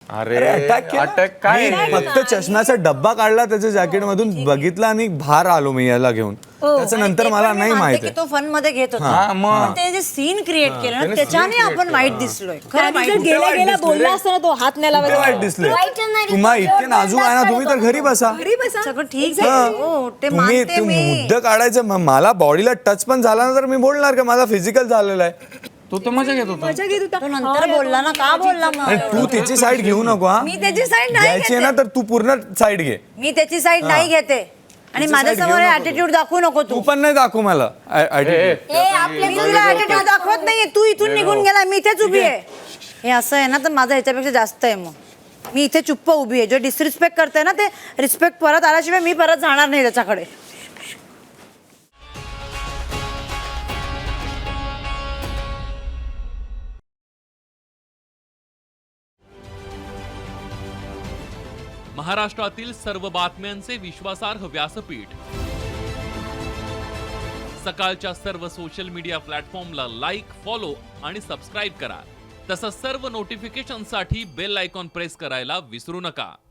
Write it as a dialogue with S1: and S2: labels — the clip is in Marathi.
S1: अरे
S2: अटॅक
S1: अटॅक काय
S2: फक्त चष्म्याचा डब्बा काढला त्याच्या जॅकेट मधून बघितला आणि बाहेर आलो मी याला घेऊन. त्याच्या नंतर मला नाही माहिती
S3: तो फन मध्ये घेत होता पण ते जे सीन क्रिएट केलं ना त्याच्याने आपण वाईट दिसलोय. खरं वाईट
S4: गेला गेला बोलला असताना तो हात नाही लावायचा.
S2: वाईट दिसले तुम्हा इतके नाजूक आहे ना तुम्ही तर घरी बसा.
S3: सगळं ठीक आहे. हो ते मानते मी.
S2: मुद्दा काढायचं मला बॉडीला टच पण झाला ना तर मी बोलणार का माझा फिजिकल झालेला आहे.
S1: तू तर मजा घेत होता.
S4: मजा घेत होता.
S3: तो नंतर बोलला ना का बोलला
S2: आणि
S3: मग
S2: तू तिची साईड घेऊ नको हा.
S3: मी त्याची साईड नाही
S2: घ्यायची आहे ना तर तू पूर्ण साईड घे.
S3: मी त्याची साईड नाही घेते आणि माझ्यासमोर ऍटिट्यूड दाखवू नको
S2: तू
S3: तू.
S2: पण नाही दाखवू मला attitude.
S3: मी तुला ऍटिट्यूड दाखवत नाहीये. तू इथून निघून गेला मी इथेच उभी आहे. हे असं आहे ना तर माझा ह्याच्यापेक्षा जास्त आहे. मग मी इथे चुप्प उभी आहे. जो डिसरिस्पेक्ट करते ना ते रिस्पेक्ट परत आल्याशिवाय मी परत जाणार नाही त्याच्याकडे.
S5: महाराष्ट्रातील सर्व बातम्यांचे विश्वासार्ह व्यासपीठ सकाळच्या सर्व सोशल मीडिया प्लॅटफॉर्मला लाईक, फॉलो आणि सबस्क्राईब करा. तसंच सर्व नोटिफिकेशनसाठी बेल आयकॉन प्रेस करायला विसरू नका.